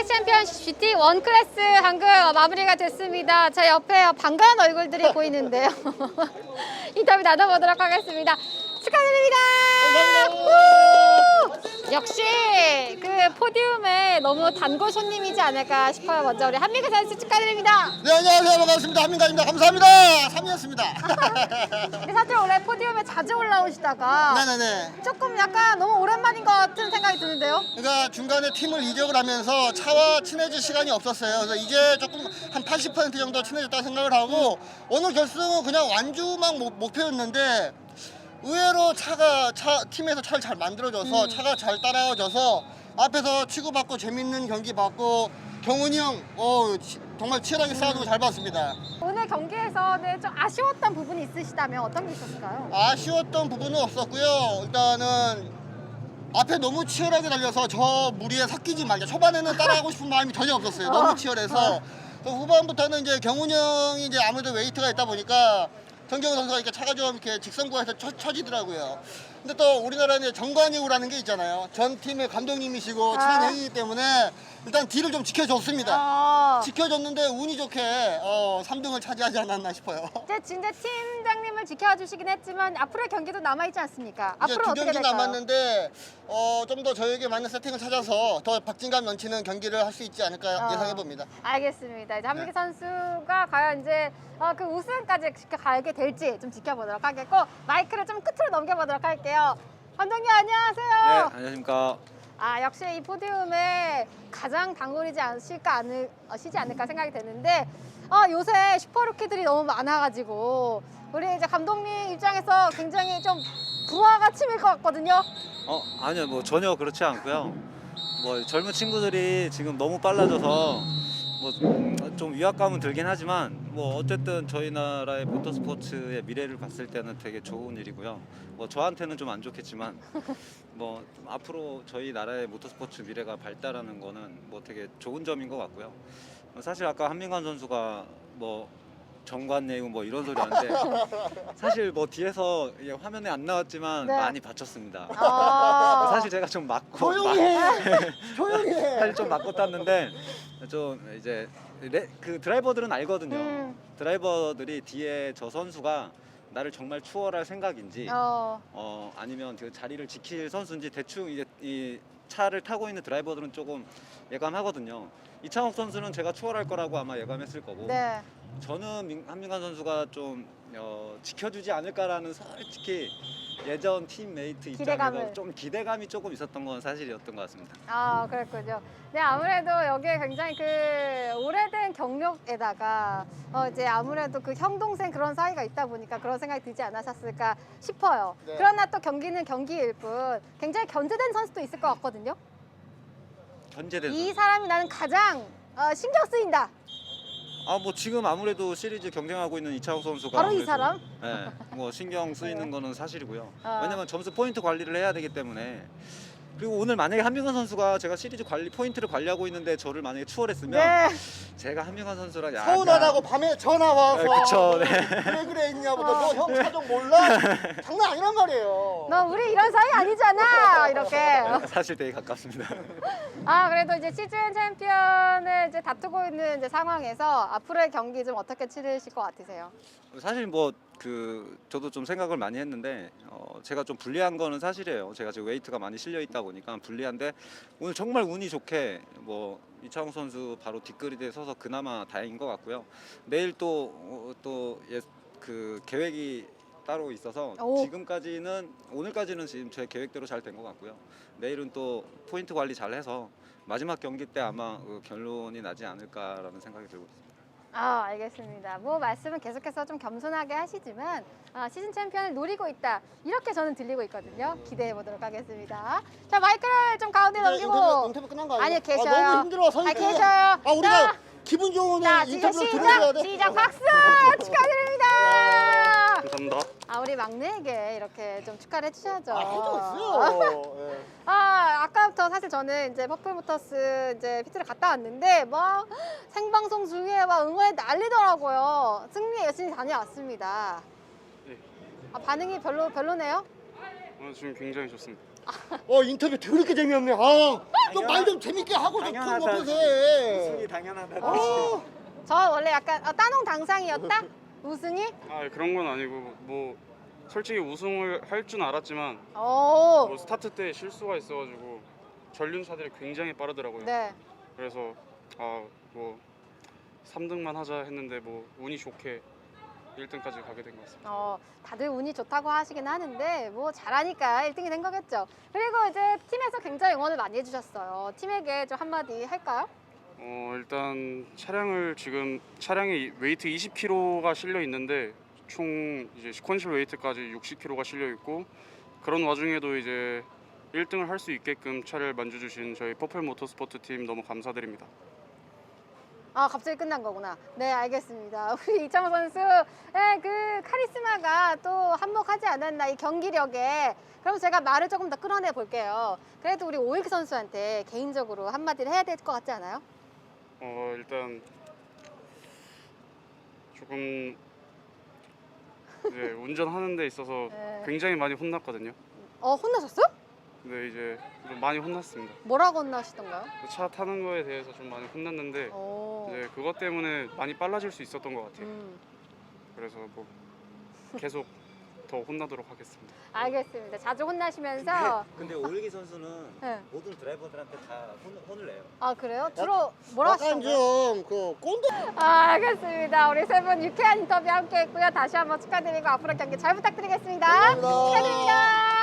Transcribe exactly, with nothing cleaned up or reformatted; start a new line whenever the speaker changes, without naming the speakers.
시즌 챔피언 지티 원 클래스 방금 마무리가 됐습니다. 제 옆에 반가운 얼굴들이 보이는데요. 인터뷰 나눠보도록 하겠습니다. 축하드립니다. 우! 역시 그 포디움에 너무 단골 손님이지 않을까 싶어요. 먼저 우리 한민가 선수 축하드립니다.
네, 안녕하세요. 반갑습니다. 한민가입니다. 감사합니다. 삼 위였습니다.
근데 사실 원래 포디움에 자주 올라오시다가
네네네.
조금 약간 너무 오랜만인 것 같은 생각이 드는데요.
그러니까 중간에 팀을 이적을 하면서 차와 친해질 시간이 없었어요. 그래서 이제 조금 한 팔십 퍼센트 정도 친해졌다 생각을 하고 오늘 결승은 그냥 완주만 목- 목표였는데 의외로 차가 차 팀에서 차를 잘 만들어줘서
음.
차가 잘 따라와줘서 앞에서 치고받고 재밌는 경기 받고 경훈이 형 어, 치- 정말 치열하게 싸우는 거 잘 봤습니다.
오늘 경기에서는 좀 아쉬웠던 부분이 있으시다면 어떤 게 있었을까요?
아쉬웠던 부분은 없었고요. 일단은 앞에 너무 치열하게 달려서 저 무리에 섞이지 말자. 초반에는 따라가고 싶은 마음이 전혀 없었어요. 너무 치열해서. 또 후반부터는 이제 경훈이 형이 이제 아무래도 웨이트가 있다 보니까 정경훈 선수가 이렇게 차가 좀 이렇게 직선구에서 쳐, 쳐지더라고요. 근데 또 우리나라는 정관이우라는 게 있잖아요. 전 팀의 감독님이시고 친한
아.
형이기 때문에 일단 뒤를 좀 지켜줬습니다.
어,
지켜줬는데 운이 좋게 어, 삼 등을 차지하지 않았나 싶어요.
이제 진짜 팀장님을 지켜주시긴 했지만 앞으로의 경기도 남아있지 않습니까?
이제
앞으로
두
어떻게
경기
될까요?
남았는데 어, 좀 더 저에게 맞는 세팅을 찾아서 더 박진감 넘치는 경기를 할 수 있지 않을까
어.
예상해 봅니다.
알겠습니다. 이제 한민기
네.
선수가 과연 이제 어, 그 우승까지 지켜가게 될지 좀 지켜보도록 하겠고 마이크를 좀 끝으로 넘겨보도록 할게요. 감독님 안녕하세요.
네, 안녕하십니까.
아 역시 이 포디움에 가장 단골이지 않으실까 않을, 어, 시지 않을까 생각이 되는데 어, 요새 슈퍼루키들이 너무 많아가지고 우리 이제 감독님 입장에서 굉장히 좀 부하가 치밀 것 같거든요.
어, 아니요, 뭐 전혀 그렇지 않고요. 뭐 젊은 친구들이 지금 너무 빨라져서 뭐 좀 위압감은 들긴 하지만 뭐 어쨌든 저희 나라의 모터스포츠의 미래를 봤을 때는 되게 좋은 일이고요. 뭐 저한테는 좀 안 좋겠지만 뭐 앞으로 저희 나라의 모터스포츠 미래가 발달하는 거는 뭐 되게 좋은 점인 것 같고요. 사실 아까 한민관 선수가 뭐 정관예우 뭐 이런 소리 하는데 사실 뭐 뒤에서 이게 화면에 안 나왔지만
네.
많이 다쳤습니다.
아,
사실 제가 좀 맞고
조용히 해! 조용히 해!
사실 좀 맞고 땄는데 좀 이제 레, 그 드라이버들은 알거든요.
음.
드라이버들이 뒤에 저 선수가 나를 정말 추월할 생각인지
어,
어 아니면 그 자리를 지킬 선수인지 대충 이제 이 차를 타고 있는 드라이버들은 조금 예감하거든요. 이창욱 선수는 제가 추월할 거라고 아마 예감했을 거고
네.
저는 민- 한민관 선수가 좀 어, 지켜주지 않을까라는 솔직히 예전 팀메이트 입장에서
기대감을.
좀 기대감이 조금 있었던 건 사실이었던 것 같습니다.
아, 그랬군요. 네, 아무래도 여기에 굉장히 그 오래된 경력에다가 어 이제 아무래도 그 형 동생 그런 사이가 있다 보니까 그런 생각이 들지 않으셨을까 싶어요.
네.
그러나 또 경기는 경기일 뿐 굉장히 견제된 선수도 있을 것 같거든요.
견제된
이
선수.
사람이 나는 가장 어, 신경 쓰인다.
아, 뭐 지금 아무래도 시리즈 경쟁하고 있는 이창욱 선수가
바로 이
아무래도,
사람?
네, 뭐 신경 쓰이는
네.
거는 사실이고요.
아.
왜냐면 점수 포인트 관리를 해야 되기 때문에. 그리고 오늘 만약에 한민관 선수가 제가 시리즈 관리 포인트를 관리하고 있는데 저를 만약에 추월했으면
네.
제가 한민관 선수랑 약간
서운하다고 밤에 전화 와서
네, 그쵸, 네.
왜 그래 했냐고 너 형 차종 몰라? 장난 아니란 말이에요.
너 우리 이런 사이 아니잖아. 이렇게.
사실 되게 가깝습니다.
아, 그래도 이제 시즌 챔피언을 이제 다투고 있는 이제 상황에서 앞으로의 경기 좀 어떻게 치르실 것 같으세요?
사실 뭐 그 저도 좀 생각을 많이 했는데 어 제가 좀 불리한 거는 사실이에요. 제가 지금 웨이트가 많이 실려 있다 보니까 불리한데 오늘 정말 운이 좋게 뭐 이창욱 선수 바로 뒷그리드에 서서 그나마 다행인 것 같고요. 내일 또또 그 계획이 따로 있어서
오.
지금까지는 오늘까지는 지금 제 계획대로 잘 된 것 같고요. 내일은 또 포인트 관리 잘 해서 마지막 경기 때 아마 그 결론이 나지 않을까라는 생각이 들고 있습니다.
아, 알겠습니다. 뭐 말씀은 계속해서 좀 겸손하게 하시지만 아, 시즌 챔피언을 노리고 있다. 이렇게 저는 들리고 있거든요. 기대해 보도록 하겠습니다. 자, 마이크를 좀 가운데
네,
넘기고.
인터뷰, 인터뷰 끝난 거 아니에요?
아니요, 계셔요.
아, 너무 힘들어 서
아,
있기.
계셔요.
아, 우리가
자,
기분 좋은
자,
오늘
지금
인터뷰를 들어줘야
시작!
돼.
시작! 박수! 축하드립니다!
감사합니다.
아, 우리 막내에게 이렇게 좀 축하를 해주셔야죠.
아, 해줬어요. 예.
아, 아까부터 사실 저는 이제 퍼플모터스 이제 피트를 갔다 왔는데 막 생방송 중에 막 응원에 난리더라고요. 승리에 열심히 다녀왔습니다.
네.
아, 반응이 별로 별로네요?
어, 지금 굉장히 좋습니다.
어 인터뷰 더럽게 재미없네. 아좀 말 좀 재밌게 하고 좀
당연하다.
먹어서 해.
당연하다.
어.
저 원래 약간 어, 따농 당상이었다? 우승이?
아 그런 건 아니고 뭐 솔직히 우승을 할 줄 알았지만
오.
뭐 스타트 때 실수가 있어가지고 전륜차들이 굉장히 빠르더라고요.
네.
그래서 아 뭐 삼 등만 하자 했는데 뭐 운이 좋게 일 등까지 가게 된 것 같습니다.
어, 다들 운이 좋다고 하시긴 하는데 뭐 잘하니까 일 등이 된 거겠죠. 그리고 이제 팀에서 굉장히 응원을 많이 해주셨어요. 팀에게 좀 한마디 할까요?
어 일단 차량을 지금 차량에 웨이트 이십 킬로그램가 실려 있는데 총 이제 시퀀셜 웨이트까지 육십 킬로그램가 실려 있고 그런 와중에도 이제 일 등을 할 수 있게끔 차를 만져주신 저희 퍼플 모터스포트 팀 너무 감사드립니다.
아 갑자기 끝난 거구나. 네 알겠습니다. 우리 이창호 선수의 그 카리스마가 또 한몫하지 않았나 이 경기력에. 그럼 제가 말을 조금 더 끌어내 볼게요. 그래도 우리 오익 선수한테 개인적으로 한마디를 해야 될 것 같지 않아요?
어 일단 조금 이제 운전하는 데 있어서
네.
굉장히 많이 혼났거든요.
어 혼나셨어요?
근데 이제 좀 많이 혼났습니다.
뭐라고 혼나시던가요?
차 타는 거에 대해서 좀 많이 혼났는데
오.
이제 그것 때문에 많이 빨라질 수 있었던 것 같아요.
음,
그래서 뭐 계속 더 혼나도록 하겠습니다.
알겠습니다. 자주 혼나시면서.
근데 오일기 선수는
네.
모든 드라이버들한테 다 혼, 혼을 내요.
아 그래요? 주로 뭐라
약간
하시던가요?
좀그 꼰대.
아, 알겠습니다. 우리 세 분 유쾌한 인터뷰 함께 했고요. 다시 한번 축하드리고 앞으로 경기 잘 부탁드리겠습니다.
감사합니다.
축하드립니다.